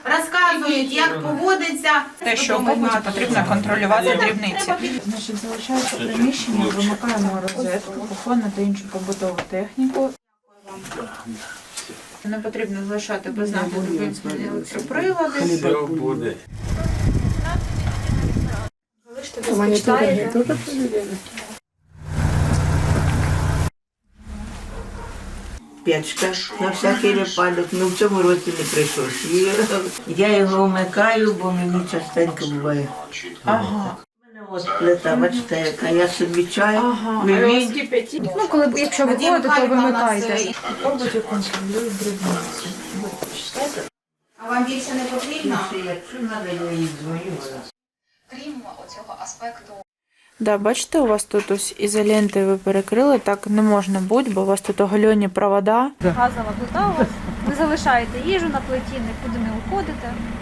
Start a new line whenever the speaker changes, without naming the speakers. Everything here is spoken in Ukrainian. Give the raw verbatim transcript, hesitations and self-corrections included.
розказують, як поводиться.
Те, що в побуті потрібно контролювати дрібниці.
Значить, залишається приміщення, вимикаємо розетку, кухонну та іншу побутову техніку. Не потрібно залишати без нагляду вимкнені електроприлади.
Все буде.
Печка на всякий випадок, ну в цьому році не прийшлось. І я його вмикаю, бо мені частенько буває.
Ага.
У мене от плита, бачите, яка я собі чай,
Ага.
вивіть.
Ну, коли, якщо ви
Надія
ходите, то
Михайлівна
вимикайте.
нас, е,
В побуті контролюють дрібниці.
А вам більше не потрібно?
Якщо треба, я їй дзвоню.
Крім оцього аспекту
Да, бачите, у вас тут ось ізолентою ви перекрили, так не можна бути, бо у вас тут оголені провода.
Газова плита у вас. Ви залишаєте їжу на плиті, нікуди не уходите.